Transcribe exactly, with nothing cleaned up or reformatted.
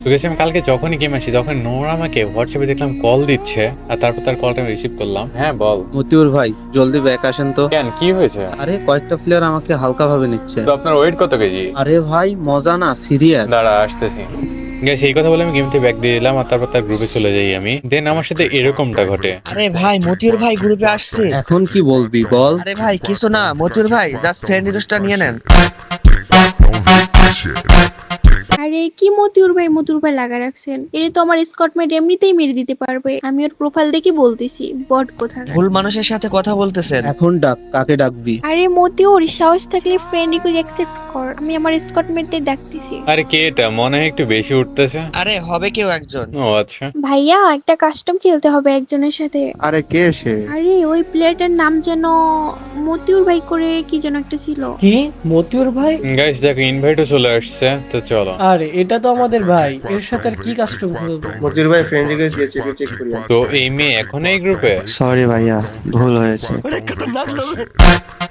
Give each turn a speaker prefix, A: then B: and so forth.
A: তো গেছি আমি কালকে যখনই গেম আসি তখন নোরা আমাকে হোয়াটসঅ্যাপে দেখলাম কল দিচ্ছে, আর তারপর তার কলটা আমি রিসিভ করলাম। হ্যাঁ বল।
B: মতিউর ভাই, জলদি ব্যাক আসেন তো।
A: কেন, কি হয়েছে?
B: আরে কয়েকটা প্লেয়ার আমাকে হালকা ভাবে নিচ্ছে।
A: তো আপনার ওয়েট কত কেজি?
B: আরে ভাই মজা না, সিরিয়াস।
A: দাঁড়া আসতেছি। গেছে এই কথা বলে আমি গেম থেকে ব্যাক দিয়ে দিলাম, আর তারপর তার গ্রুপে চলে যাই আমি। দেন আমার সাথে এরকমটা ঘটে।
C: আরে ভাই মতিউর ভাই গ্রুপে আসছে।
B: এখন কি বলবি বল।
C: আরে ভাই কিছু না, মতিউর ভাই জাস্ট ফ্রেন্ড রিকোয়েস্টটা নিয়ে নেন।
D: আরে কি মতিউর ভাই মতিউর ভাই লাগা রাখছেন, এটা তো আমার স্কটমেট এমনিতেই মেরে দিতে পারবে। আমি ওর প্রোফাইল দেখে বলতেছি বট কোথাকার।
C: ভুল মানুষের সাথে কথা বলতেছেন।
B: এখন ডাক, কাকে ডাকবি?
D: আরে মতিউর, সাহস থাকলে ফ্রেন্ড রিকোয়েস্ট অ্যাকসেপ্ট কর, আমি আমার স্কটমেটদের ডাকতেছি।
A: আরে কে এটা? মনে হয় একটু বেশি উঠতেছে।
C: আরে হবে কেউ একজন।
A: ও আচ্ছা।
D: ভাইয়া একটা কাস্টম খেলতে হবে একজনের সাথে।
E: আরে কে সে?
D: আরে ওই প্লেয়ারটার নাম যেন মতিউর ভাই করে কি যেন একটা ছিল।
F: কি মতিউর ভাই?
A: গাইস দেখো ইনভাইটও চলে আসছে, তো চলো।
F: আরে এটা তো আমাদের ভাই, এর সাথে আর কি কাস্টম খেলবো?
E: মতির ভাই ফ্রেন্ড রিকোয়েস্ট দিয়েছে, একটু চেক করি।
A: তো এই মেয়ে এখন এই গ্রুপে?
E: সরি ভাইয়া, ভুল হয়েছে।